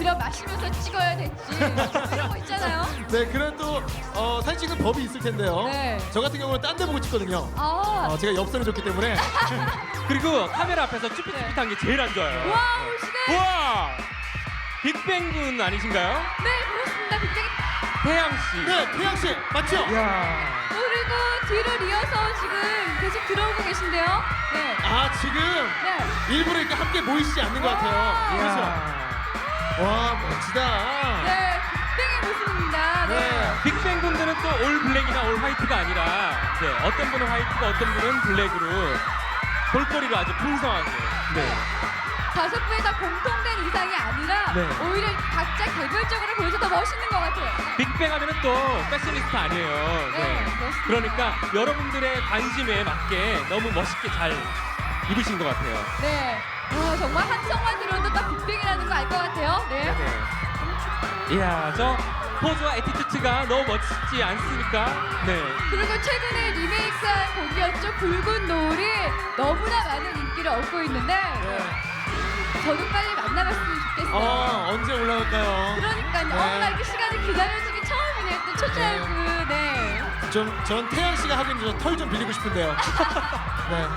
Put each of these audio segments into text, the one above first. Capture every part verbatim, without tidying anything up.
오히려 마시면서 찍어야 될지 그런 거 있잖아요. 네, 그런 또 어, 사진 찍는 법이 있을 텐데요. 네. 저 같은 경우는 딴 데 보고 찍거든요. 아, 어, 제가 엽서를 줬기 때문에. 그리고 카메라 앞에서 쭈삣쭈삣한 게 제일 안 좋아요. 와우 지금 우와! 빅뱅 군 아니신가요? 네 그렇습니다. 굉장히 태양 씨. 네, 태양 씨 맞죠? 이야. 그리고 뒤를 이어서 지금 계속 들어오고 계신데요. 네. 아, 지금 네. 일부러 이렇게 함께 모이시지 않는 것 같아요. 그렇죠? 와, 멋지다. 네, 빅뱅의 모습입니다. 네. 네. 빅뱅 군들은 또 올 블랙이나 올 화이트가 아니라 네, 어떤 분은 화이트고 어떤 분은 블랙으로 볼거리로 아주 풍성하게. 네. 다섯 분이 다 공통된 의상이 아니라 네. 오히려 각자 개별적으로 보여서 더 멋있는 것 같아요. 빅뱅 하면은 또 패셔니스타 아니에요. 네, 그렇습니다. 그러니까 여러분들의 관심에 맞게 너무 멋있게 잘 입으신 것 같아요. 네. 와, 정말 한성만 들어도 딱 빅뱅이라는 거 알 것 같아요. 네. 네. 이야, 저 포즈와 에티튜드가 너무 멋지지 않습니까? 네. 그리고 최근에 리메이크한 곡이었죠. 붉은 노을이 너무나 많은 인기를 얻고 있는데 네. 저도 빨리 만나봤으면 좋겠어요. 어, 언제 올라올까요? 그러니까요. 네. 어, 나 이렇게 시간을 기다려주기 처음이네요. 또 초짜이브. 네. 좀, 전 태양 씨가 하긴 털 좀 빌리고 싶은데요. 네.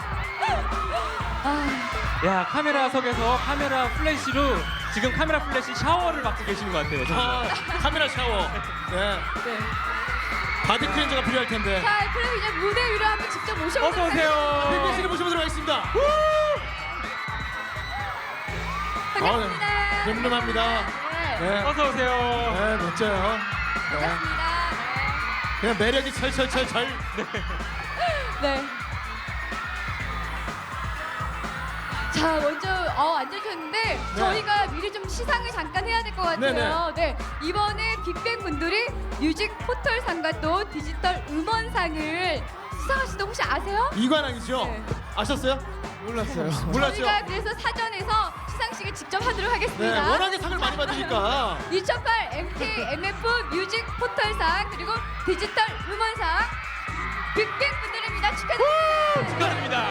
아, 야, 카메라석에서 카메라 플래시로 지금 카메라 플래시 샤워를 받고 계시는 것 같아요. 정말. 아, 카메라 샤워. 네. 네. 바디 클렌저가 필요할 텐데. 자, 그럼 이제 무대 위로 한번 직접 모셔보도록 어서 오세요. 빅뱅 씨를 모셔보도록 하겠습니다. 반갑습니다. 아, 네. 늠름합니다. 네. 네. 어서 오세요. 네, 멋져요. 네. 반갑습니다. 그냥 매력이 철철철철. 네. 자, 먼저 어, 앉으셨는데 저희가 미리 좀 시상을 잠깐 해야 될 것 같아요. 네, 이번에 빅뱅 분들이 뮤직 포털상과 또 디지털 음원상을 수상하시던 혹시 아세요? 이관왕이죠? 네. 아셨어요? 몰랐어요. 몰랐죠? 저희가 그래서 사전에서 시상식을 직접 하도록 네, 하겠습니다. 워낙에 상을 많이 받으니까. 이천팔 엠케이 엠에프 뮤직 포털상 그리고 디지털 음원상 빅뱅 분들입니다. 축하드립니다. 축하드립니다.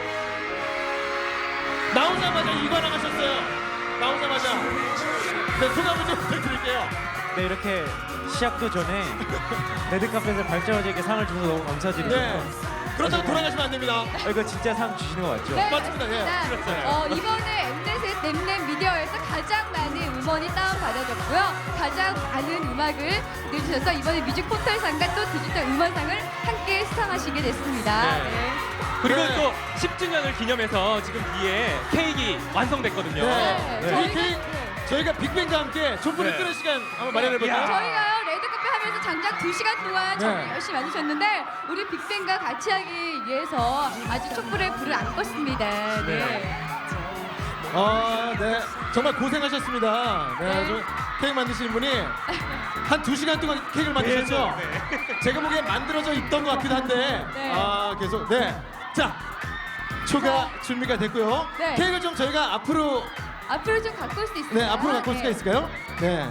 나오자마자 이관왕 하셨어요. 나오자마자. 네, 소감을 좀 부탁드릴게요. 네, 이렇게 시작도 전에 레드카펫에 발자국에게 상을 주셔서 너무 감사드리고요. 네. 그렇다고 돌아가시면 안 됩니다. 어, 이거 진짜 상 주시는 거 맞죠? 네, 맞습니다. 예. 맞습니다. 어, 이번에 엠넷의 넷넷 미디어에서 가장 많은 음원이 다운받아졌고요. 가장 많은 음악을 내주셔서 이번에 뮤직 포털상과 또 디지털 음원상을 함께 수상하시게 됐습니다. 네. 네. 그리고 네. 또 십 주년을 기념해서 지금 뒤에 케이크 완성됐거든요. 네. 네. 저희 저희가- 케이, 네. 저희가 빅뱅과 함께 촛불을 네. 끄는 시간 한번 마련해볼까요? 야. 저희가요 레드카페 하면서 장작 두 시간 동안 정말 네. 열심히 만드셨는데 우리 빅뱅과 같이 하기 위해서 아주 촛불에 불을 안 껐습니다. 네. 네. 아, 네. 정말 고생하셨습니다. 네. 네. 저 케이크 만드시는 분이 한 두 시간 동안 케이크를 만드셨죠? 네. 제가 보기엔 만들어져 있던 것 같기도 한데. 네. 아, 계속. 네. 자, 초가 준비가 됐고요. 네. 케이크를 좀 저희가 앞으로, 앞으로 좀 갖고 올 수 있을까요? 네, 앞으로 갖고 올 수가 네. 있을까요? 네.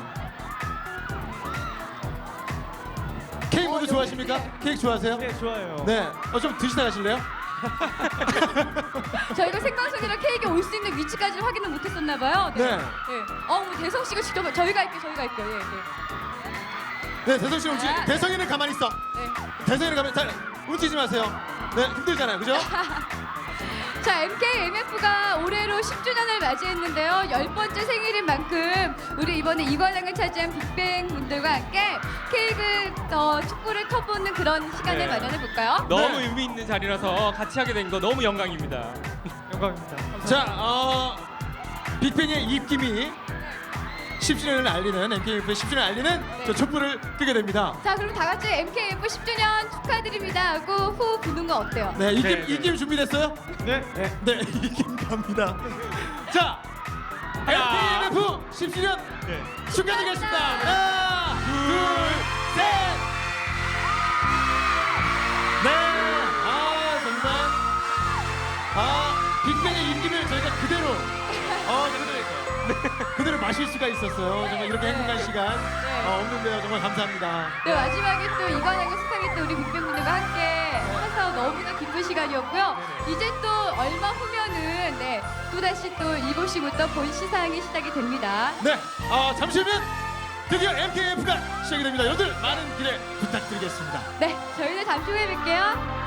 케이크 모두 어, 좋아하십니까? 네. 케이크 좋아하세요? 네, 좋아요. 네. 어, 좀 드시다 가실래요? 저희가 생방송이라 케이크 올 수 있는 위치까지 확인을 못했었나 봐요. 네. 네. 네. 어, 뭐 대성 씨가 직접 저희가 할게요. 저희가 할게요. 예, 네. 네, 대성 씨 움직. 아, 네. 대성이는 가만히 있어. 네. 대성이는 가만히. 자, 움직이지 마세요. 네, 힘들잖아요, 그죠? 자, 엠케이 엠에프가 올해로 십 주년을 맞이했는데요. 열 번째 생일인 만큼 우리 이번에 이관왕을 차지한 빅뱅 분들과 함께 케이크 어, 촛불을 켜보는 그런 시간을 네. 마련해 볼까요? 너무 네. 의미 있는 자리라서 같이 하게 된 거 너무 영광입니다. 영광입니다. 자, 어, 빅뱅의 입김이 십 주년을 알리는 엠케이에프의 십 주년을 알리는 저 촛불을 끄게 됩니다. 자, 그럼 다 같이 엠케이에프 십 주년 축하드립니다 하고 후 부는 거 어때요? 네, 입김 네, 네. 입김 준비됐어요? 네. 네. 네, 입김 갑니다. 자, 야. 엠케이에프 십 주년 네. 축하드리겠습니다. 하나, 둘, 셋. 네, 아 정말 아 빅뱅의 입김을 저희가 그대로 어 그대로 그대로 마실 수가 있었어요. 정말 이렇게 행복한 시간 어, 없는데요. 정말 감사합니다. 네, 마지막에 또 이관왕과 수상했던 우리 빅뱅분들과 함께 해서 너무나 기쁜 시간이었고요. 이제 또 얼마 후면은 네, 또다시 또 일곱 시부터 본 시상이 시작이 됩니다. 네, 아, 잠시 후면 드디어 엠케이에프가 시작이 됩니다. 여러분들 많은 기대 부탁드리겠습니다. 네, 저희는 잠시 후에 뵐게요.